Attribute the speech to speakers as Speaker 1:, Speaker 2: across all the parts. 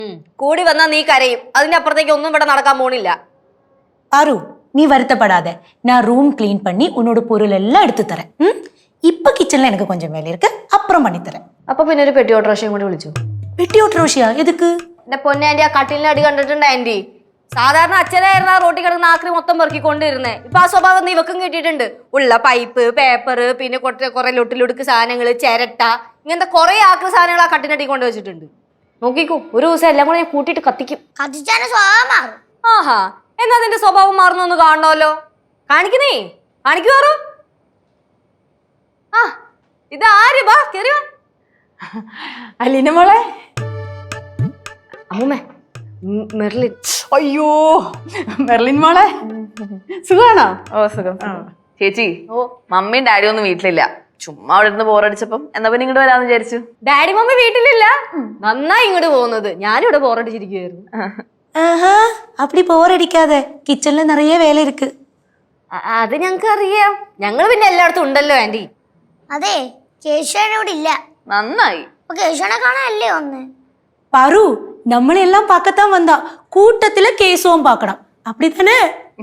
Speaker 1: കൂടി വന്നാ നീ കരയും. അതിന്റെ അപ്പുറത്തേക്ക് ഒന്നും ഇവിടെ നടക്കാൻ പോണില്ല.
Speaker 2: ആരു നീ വരുത്തപ്പെടാതെ ഞാൻ റൂം ക്ലീൻ பண்ணி உன்னோட பொருள் எல்லாம் எடுத்து தரேன். இப்ப கிச்சன்ல எனக்கு கொஞ்சம் வேலை இருக்கு, அப்புறம் பண்ணி தரேன்.
Speaker 1: അപ്പൊ പിന്നെ ഒരു പെട്ടി ഓട്ടോറിക്ഷയും കൂടി വിളിച്ചു.
Speaker 2: പെട്ടി ഓട്ടോറിക്ഷയാ? എതുക്ക്?
Speaker 1: എന്റെ പൊന്നെ ആന്റി, ആ കട്ടിലിന്റെ അടി കണ്ടിട്ടുണ്ട് ആന്റി? സാധാരണ അച്ഛനായിരുന്നു ആ റോട്ടി കിടന്ന് ആക്രി മൊത്തം പെറുക്കിക്കൊണ്ടിരുന്നേ. ഇപ്പൊ ആ സ്വഭാവം നീ ഇവക്കും കിട്ടിയിട്ടുണ്ട്. ഉള്ള പൈപ്പ്, പേപ്പർ, പിന്നെ കുറെ ലൊട്ടിലൊടുക്ക് സാധനങ്ങള്, ചിരട്ട, ഇങ്ങനത്തെ കുറെ ആക്രി സാധനങ്ങൾ ആ കട്ടിനടി കൊണ്ട് വെച്ചിട്ടുണ്ട്. നോക്കിക്കോ, ഒരു ദിവസം എല്ലാം കൂടെ ഞാൻ കൂട്ടിയിട്ട് കത്തിക്കും.
Speaker 3: കത്തിച്ചാലും സ്വഭാവം മാറും.
Speaker 1: ആഹാ, എന്നാ നിന്റെ സ്വഭാവം മാറുന്നൊന്ന് കാണണമല്ലോ. കാണിക്കുന്നേ, കാണിക്കുവാറോ? ആ, ഇത് ആര്? ബാ കേറി വാ.
Speaker 4: അലീന മോളെ.
Speaker 1: അമ്മൂമ്മേ, മെർലിൻ.
Speaker 4: അയ്യോ മെർലിൻ മോളെ, സുഖാണോ?
Speaker 5: ഓ സുഖം. ചേച്ചി, മമ്മിയും ഡാഡിയും ഒന്നും വീട്ടിലില്ല. ചുമ്മാ അവിടെ ഇരുന്ന് ബോറടിച്ചപ്പം എന്നാ പിന്നെ ഇങ്ങോട്ട് വരാന്ന് വിചാരിച്ചു.
Speaker 1: ഡാഡി മമ്മി വീട്ടിലില്ല, നന്നായി ഇങ്ങോട്ട് പോകുന്നത്. ഞാനിവിടെ ബോറടിച്ചിരിക്കുവായിരുന്നു.
Speaker 2: ആഹാ, அப்படி போரடிக்காத, കിച്ചണിൽ നിറയെ വേല ഇருக்கு.
Speaker 1: അത് ഞങ്ങൾക്ക് അറിയാം, ഞങ്ങൾ പിന്നെ എല്ലായിടത്തും ഉണ്ടല്ലോ ആന്റി.
Speaker 3: അതെ, കേശവനോട് ഇല്ല.
Speaker 5: നന്നായി.
Speaker 3: അപ്പൊ കേശവനെ കാണാനല്ലേ വന്ന്?
Speaker 2: பாரு നമ്മളെല്ലാം பார்க்கத்தான் வந்தா, கூட்டத்துல கேசவும் பார்க்கணும், அப்படிதானே?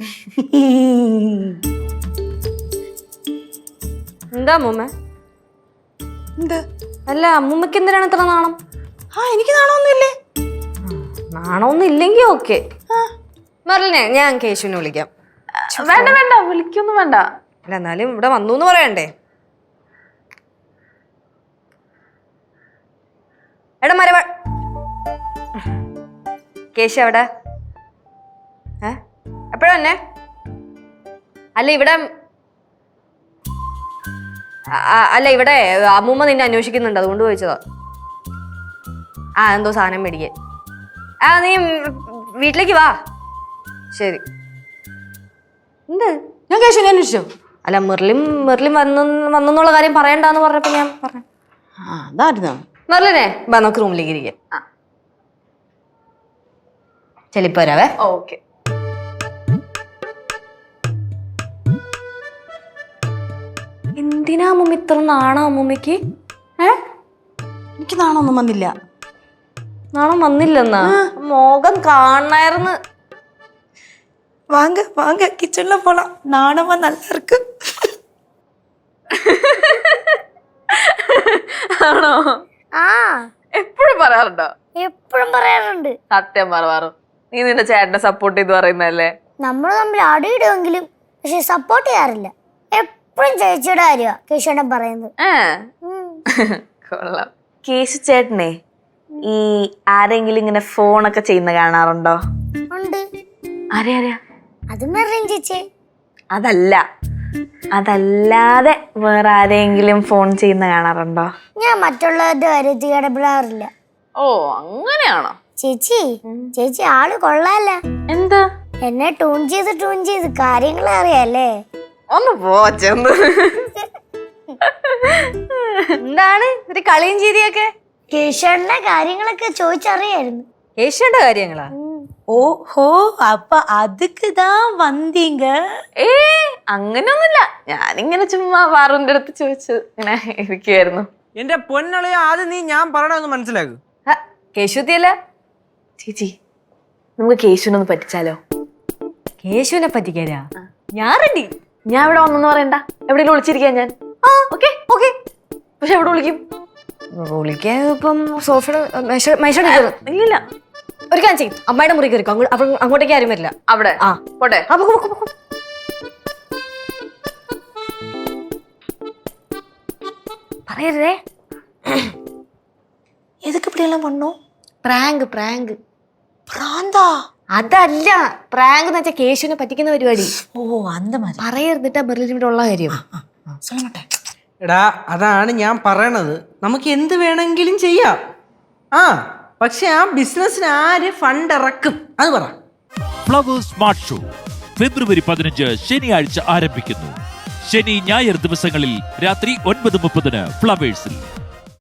Speaker 1: എന്താ അമ്മൂമ്മ? അല്ല, അമ്മൂമ്മക്ക് എന്തിനാണ് ഇത്ര നാണം?
Speaker 4: എനിക്ക് നാണമൊന്നുമില്ലേ?
Speaker 1: നാണമൊന്നും ഇല്ലെങ്കി ഓക്കെ. മെർലിനെ, ഞാൻ കേശുവിനെ വിളിക്കാം.
Speaker 5: വേണ്ട വേണ്ട, വിളിക്കൊന്നും വേണ്ട.
Speaker 1: അല്ല, എന്നാലും ഇവിടെ വന്നു എന്ന് പറയണ്ടേ? എടാ മരവ, കേശു എവിടെ? എപ്പോഴാ തന്നെ? അല്ല ഇവിടെ, അല്ല ഇവിടെ അമ്മൂമ്മ നിന്നെ അന്വേഷിക്കുന്നുണ്ട്, അതുകൊണ്ട് ചോദിച്ചതാ. എന്തോ സാധനം മേടിക്കാൻ. നീ വീട്ടിലേക്ക് വാ. ശരി. എന്ത്?
Speaker 4: ഞാൻ കേശവനെ അന്വേഷിച്ചോ?
Speaker 1: അല്ല, മെർലിൻ വന്നെന്നുള്ള കാര്യം പറയണ്ടെന്ന് പറഞ്ഞപ്പോ ഞാൻ പറഞ്ഞു.
Speaker 4: അതായിരുന്നോ?
Speaker 1: മെർലിനെ വാ, നമുക്ക് റൂമിലേക്ക് ഇരിക്കാം. ചെലിപ്പോ വരാവേ.
Speaker 5: ഓക്കെ.
Speaker 1: എന്തിനാ അമ്മൂമ്മ ഇത്ര നാണോ അമ്മൂമ്മക്ക്?
Speaker 4: എനിക്ക് നാണമൊന്നും വന്നില്ല.
Speaker 1: നാണം വന്നില്ലെന്നാ? മോകം കാണായിരുന്നു.
Speaker 2: வாங்க வாங்க, கிச்சன்ல போலாம், நாணமா நல்லா இருக்கு.
Speaker 5: ആണോ?
Speaker 3: ആ,
Speaker 5: എപ്പോഴും പറയാറുണ്ടോ?
Speaker 3: എപ്പോഴും പറയാറുണ്ട്.
Speaker 5: സത്യം പറവാറും. നീ നിന്റെ ചേട്ടനെ സപ്പോർട്ട് ചെയ്ത് പറയുന്നല്ലേ?
Speaker 3: നമ്മൾ തമ്മിൽ അടിയിടുമെങ്കിലും പക്ഷെ സപ്പോർട്ട് ചെയ്യാറില്ല. എപ്പോഴും ചേച്ചിയുടെ കാര്യമാ കേശവനെ പറയുന്നത്.
Speaker 5: കൊള്ളാം. കേശു ചേട്ടനെ ഈ ആരെങ്കിലും ഇങ്ങനെ ഫോണൊക്കെ ചെയ്യുന്ന കാണാറുണ്ടോ?
Speaker 3: ഉണ്ട്.
Speaker 5: ആരെയാ?
Speaker 3: അത് മെറിൻ ചേച്ചി.
Speaker 5: അതല്ലാതെ വേറെ ആരെങ്കിലും ഫോൺ ചെയ്യുന്ന കാണാറുണ്ടോ?
Speaker 3: ഞാൻ മറ്റുള്ളവരുടെ കാര്യത്തിൽ ഇടപെടാറില്ല.
Speaker 5: ഓ, അങ്ങനെയാണോ?
Speaker 3: ചേച്ചി ആള് കൊള്ളാല്ല.
Speaker 5: എന്താ?
Speaker 3: എന്നെ ട്യൂൺ ചെയ്ത് കാര്യങ്ങൾ അറിയാല്ലേ?
Speaker 5: ഒന്ന് പോച്ചെന്ന്.
Speaker 1: എന്താണ് ഒരു കളിയും ചിരിയൊക്കെ?
Speaker 3: കേശവന്റെ കാര്യങ്ങളൊക്കെ ചോദിച്ചറിയായിരുന്നു.
Speaker 1: കേശുവിന്റെ കാര്യങ്ങളാ?
Speaker 2: ஓஹோ, அப்ப அதுக்கு தான் வந்தீங்க?
Speaker 5: അങ്ങനെയൊന്നുമില്ല. ഞാനിങ്ങനെ ചുമ്മാ വാറുവിന്റെ അടുത്ത് ചോദിച്ചു ഇങ്ങനെ ഇരിക്കുവായിരുന്നു.
Speaker 6: എന്റെ പൊന്നളയ, ആദ്യം നീ ഞാൻ പറയണമെന്ന് മനസ്സിലാക്കൂ.
Speaker 1: കേശുത്തിയല്ല
Speaker 5: ചേച്ചി, നമുക്ക് കേശുവിനൊന്ന് പറ്റിച്ചാലോ?
Speaker 1: കേശുവിനെ പറ്റിക്കാനാ? ഞാൻ റെഡി.
Speaker 5: ഞാൻ ഇവിടെ വന്നെന്ന് പറയണ്ട, എവിടെയെങ്കിലും വിളിച്ചിരിക്കാൻ ഞാൻ. Okay okay. പക്ഷെ എവിടെ വിളിക്കും?
Speaker 1: വിളിക്കാൻ ഇപ്പം സോഫയുടെ
Speaker 5: ഇല്ല.
Speaker 1: ഒരു കാര്യം ചെയ്യും, അമ്മയുടെ മുറി കയറിക്കോ. അങ്ങോട്ടേക്ക് ആരും വരില്ല.
Speaker 5: അവിടെ പോട്ടെ.
Speaker 1: പറയരുതേ.
Speaker 2: எதுக்கு இப்படி எல்லாம் பண்ணோம்?
Speaker 1: പ്രാങ്ക്.
Speaker 2: പ്രാന്താ?
Speaker 1: അതല്ല, പ്രാങ്ക് എന്ന് വെച്ചാൽ കേശുവിനെ പറ്റിക്കുന്ന പരിപാടി.
Speaker 2: ഓ, அந்த மாதிரி.
Speaker 1: പറയരുതിട്ടാ മെർലിൻ ഇവിടെ ഉള്ള കാര്യം.
Speaker 2: சொல்ல மாட்டேன்.
Speaker 6: എടാ, അതാണ് ഞാൻ പറയണത്. നമുക്ക് എന്ത് വേണമെങ്കിലും ചെയ്യാം. പക്ഷെ ആ ബിസിനസ്സിന് ആര് ഫണ്ട് ഇറക്കും അത് പറ.
Speaker 7: ഫ്ലവേഴ്സ് സ്മാർട്ട് ഷോ ഫെബ്രുവരി 15 ശനിയാഴ്ച ആരംഭിക്കുന്നു. ശനി ഞായർ ദിവസങ്ങളിൽ രാത്രി 9:30 ഫ്ലവേഴ്സിൽ.